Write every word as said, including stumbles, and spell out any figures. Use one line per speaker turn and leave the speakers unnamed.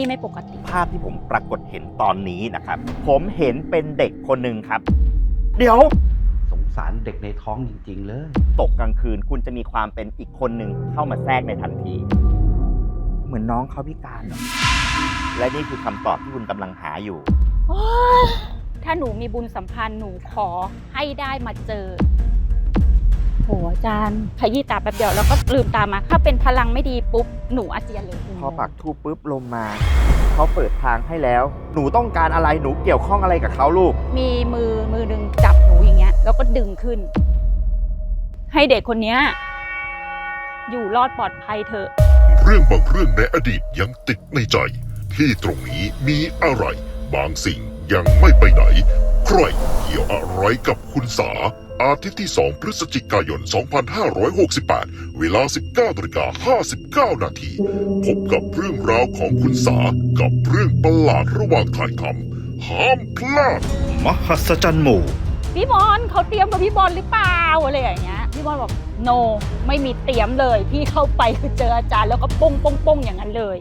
ไม่ปกติ
ภาพที่ผมปรากฏเห็นตอนนี้นะครับผมเห็นเป็นเด็กคนหนึ่งครับเดี๋ยว
สงสารเด็กในท้องจริงๆเลย
ตกกลางคืนคุณจะมีความเป็นอีกคนหนึ่งเข้ามาแทรกในทันทีเหมือนน้องเขาพิการเหรอและนี่คือคำตอบที่คุณกำลังหาอยู่
ถ้าหนูมีบุญสัมพันธ์หนูขอให้ได้มาเจอโหอาจารย์ขยี้ตาแป๊บเดียวแล้วก็ลืมตามาถ้าเป็นพลังไม่ดีปุ๊บหนูอาเจียนเลย
พอปักทูปปุ๊บลมมาเขาเปิดทางให้แล้วหนูต้องการอะไรหนูเกี่ยวข้องอะไรกับเขาลูก
มีมือมือดึงจับหนูอย่างเงี้ยแล้วก็ดึงขึ้นให้เด็กคนนี้อยู่รอดปลอดภัยเถอะ
เรื่องบางเรื่องในอดีตยังติดในใจที่ตรงนี้มีอะไรบางสิ่งยังไม่ไปไหนใครเกี่ยวอะไรกับคุณสาอาทิตย์ที่สองพฤศจิกายนสองพันห้าร้อยหกสิบแปดเวลา สิบเก้านาฬิกาห้าสิบเก้า นาทีพบกับเรื่องราวของคุณสากับเรื่องประหลาดระหว่างถ่ายทำห้ามพลาดมหัศจรรย์หมู่
พี่บอลเขาเตรียมกับพี่บอลหรือเปล่าอะไรอย่างเงี้ยพี่บอลบอก no ไม่มีเตรียมเลยพี่เข้าไปคือเจออาจารย์แล้วก็ป้งป้งป้งอย่างนั้นเลย